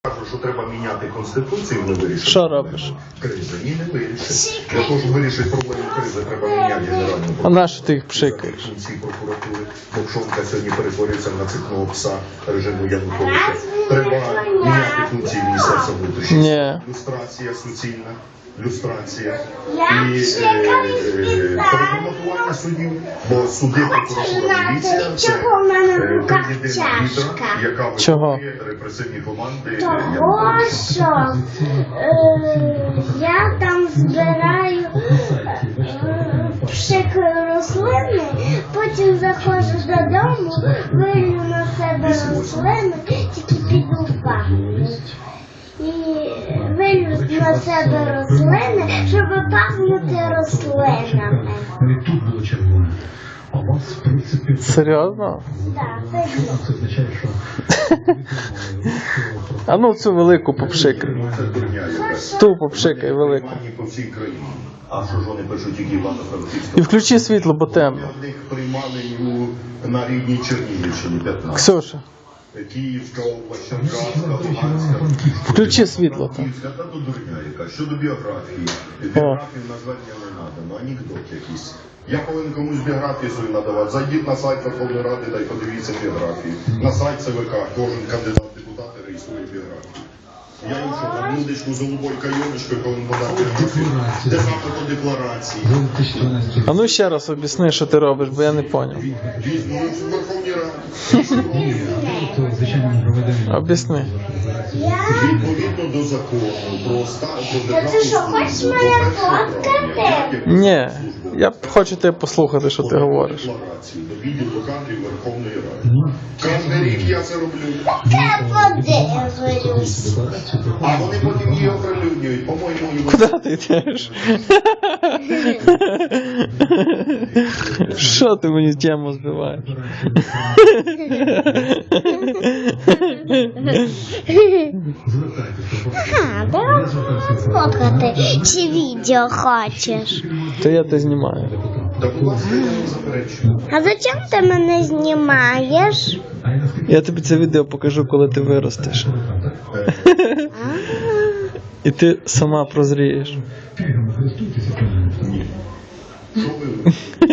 Кажу, що треба міняти Конституцію, не вирішити. Що робиш? Кризи. Ні, не вирішить. Для того, щоб вирішити проблему кризи, треба міняти генеральну А прокуратуру. на що ти їх пшикаєш? Функції прокуратури. Мовчонка сьогодні перетворюється на цикного пса режиму Януковича. Треба міняти функції Міністерства внутрішніх Ні. справ. Люстрація суцільна. Люстрація. І переформатування судів. Бо суди, прокуратура, міліція – це триєдина літера, яка виконує репресивні команди Того, Януковича. що я там збираю пшикаю рослини, потім заходжу додому, вилю на себе рослини, тільки піду в ванну. І вилю на себе рослини, щоб пахнути рослинами. Тут було червоне. А у вас, в принципі, Серйозно? Так, це означає, що А ну цю велику попшикай. Це дурня якась. Ту попшикай велику. Приймальні по всій країні. А що ж вони пишуть, які Івано-Франківська? І включи світло, бо темно. В них приймали на рідній Чернігівщині 15. Ксюша, Київська область, Черкаська, Луганська. включи світло там. Київська, та то дурня яка. Щодо біографії. Біографію назвати не треба, ну анекдот якийсь. Я повинен комусь біографію свою надавати. Зайдіть на сайт Верховної Ради, дай подивіться біографію. На сайт ЦВК кожен кандидат в депутати реєструє біографію. Я їм що, там мудочку з голубою кайоночкою повинен подати біографію. Де запит по декларації? А ну ще раз об'ясни, що ти робиш, бо я не поняв. Візьму в Верховній Раді. звичайно проведення. Об'ясни. Відповідно до закону про державну ти що, хочеш мене фоткати? Ні, я хочу тебе послухати, що ти говориш. Декларацію до відділу кадрів Верховної Ради. Кожен рік я це роблю. Я подивлюсь. А вони потім її оприлюднюють. По-моєму, і Куди ти йдеш? Що ти мені тему збиваєш? Давай фоткати, чи відео хочеш. То я те знімаю. та будь ласка, я не заперечую. А зачем ти мене знімаєш? Я тобі це відео покажу, коли ти виростеш. І ти сама прозрієш. Ні. Що ви?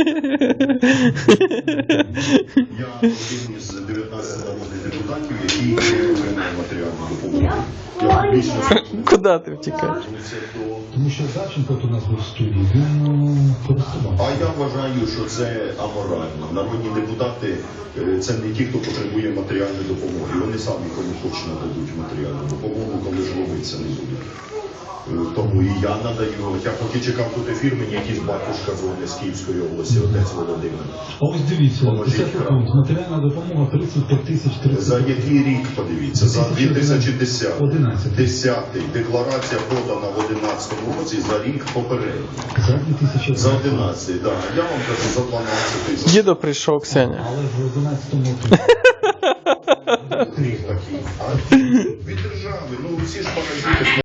Я один із 19 народних депутатів, який отримав матеріальну допомогу. Я більше Куди ти втікаєш? Тому що Савченко у нас був в студії, він користував. А я вважаю, що це аморально. Народні депутати це не ті, хто потребує матеріальної допомоги. Вони самі кому хочуть нададуть матеріальну допомогу, коли ж робиться не будуть. Тому і я надаю. Я поки чекав тут ефір, мені якийсь батюшка дзвонить з Київської області, отець Володимир. А ось дивіться, Поможіть 10 пункт, матеріальна допомога 35 тисяч 30. За який рік, подивіться? За 2010. 11. 10. Декларація подана в 11 році за рік попередній. За 2000. За 11, так. Я вам кажу, за 12. Дідо прийшов, Ксеня. Але ж в 11-му році. Рік такий. А від держави, ну всі ж паразити.